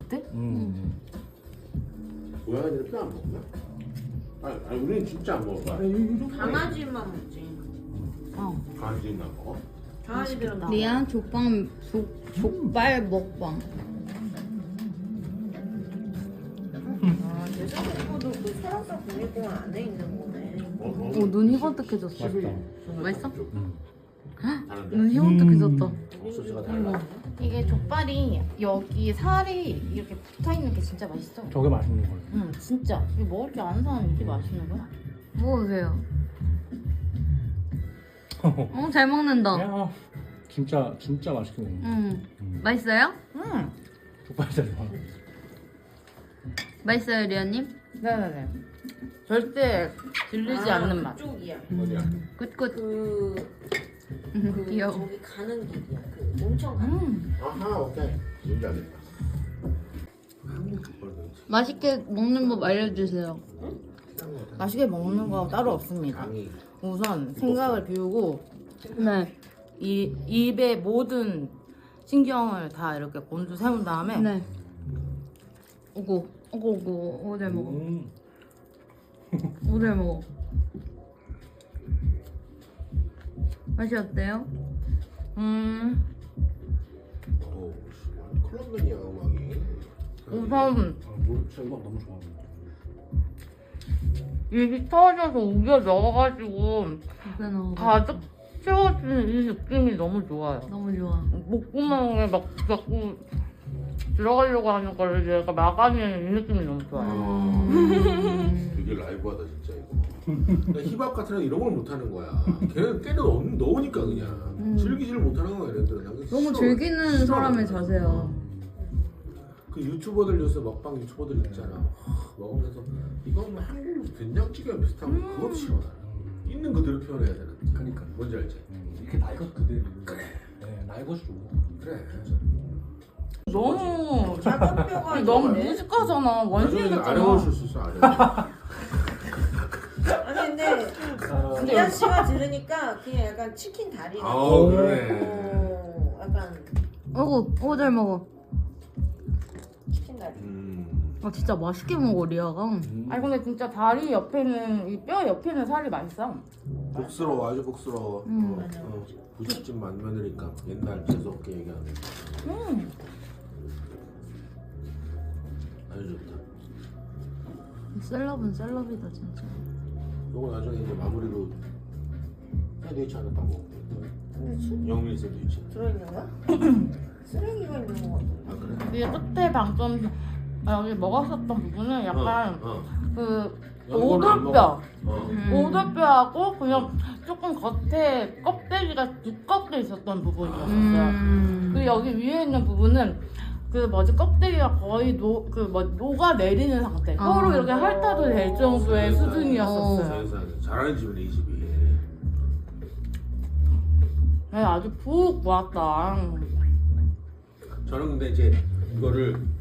그때? 고양이들 뼈 안 먹나? 아니 우리는 진짜 안 먹어. 강아지만 먹지. 강아지나 먹어? 강아지들은 다. 리안 족발 먹방. 대성공도 그 설악산 국립공원 안에 있는 거네. 오, 눈 희번뜩해졌어. 맛있어? 다른데? 눈 희번뜩해졌다. 소스가 달라. 이게 족발이 여기 살이 이렇게 붙어있는 게 진짜 맛있어. 저게 맛있는 거예요. 응, 진짜. 이거 먹을 줄 아는 사람이 이게 맛있는 거야? 먹어보세요. 잘 먹는다. 야, 진짜 맛있게 먹네. 맛있어요? 응. 족발 진짜 좋아. 맛있어요, 리안님? 네네네. 절대 질리지 않는 맛. 그쪽이야. 어디야? 굿굿. 그 귀여워. 저기 가는 길이야. 그 온천 가는. 아하 오케이. 뭔지 알겠다. 한국 족발 그렇지. 맛있게 먹는 법 알려주세요. 맛있게 먹는 거 따로 없습니다. 강이 우선 생각을 비우고 네. 이 입의 모든 신경을 다 이렇게 곤두 세운 다음에 네. 오고 잘 먹어. 잘 먹어. 맛이 어때요? 오, 클럽맨이야 음악이. 우선 진짜 음악 너무 좋아합니다. 입이 터져서 우겨 넣어가지고 그래 넣어. 가득 채워지는 이 느낌이 너무 좋아요. 너무 좋아. 목구멍에 막 자꾸 들어가려고 하는 거를 얘가 막아내는 이 느낌이 너무 좋아요. 되게 라이브하다 진짜 이거. 그러니까 힙합 같은 애 이런 걸 못하는 거야. 걔는 깨는 넣으니까 그냥 즐기지를 못하는 거야 얘네들은. 난 그게 너무 싫어. 즐기는 사람의 자세야. 그 유튜버들 요새 먹방 유튜버들 있잖아. 먹으면서 이거 뭐 한국 된장찌개랑 비슷한 거 그것도 싫어 나는. 있는 그대로 표현해야 되는데. 그러니까. 뭔지 알지? 이렇게 날 것 그대로. 네, 날 것이 좋은 거. 그래. 너무 작은 뼈가 너무 있네. 무식하잖아. 원숭이 나중에 같잖아. 아래올 수 있어 아래. 아니 근데 리안 씨가 들으니까 그냥 약간 치킨 다리. 아 그래. 약간 잘 먹어. 치킨 다리. 진짜 맛있게 먹어, 리아가. 아니 근데 진짜 다리 옆에는 이 뼈 옆에는 살이 맛있어. 복스러워 아주 복스러워. 맞아. 부잣집 만면이니까 옛날 재수없게 얘기하는. 아주 좋다. 셀럽은 셀럽이다, 진짜. 요거 나중에 이제 마무리로 샌드위치 하나 따고. 영민 샌드위치. 들어있는 거야? 쓰레기가 있는 거 같아. 아 그래? 이 끝에 방금 여기 먹었었던 부분은 약간 그 이거는 안 오돌뼈. 먹어. 오돌뼈하고 그냥 조금 겉에 껍데기가 두껍게 있었던 부분이었어요. 그리고 여기 위에 있는 부분은 그 뭐지 껍데기가 거의 녹아 내리는 상태. 혀로 이렇게 핥아도 될 정도의 수준이었었어요. 세상에 잘하는 집이네 이 집이. 네, 아주 푹 모았다. 저는 근데 이제 이거를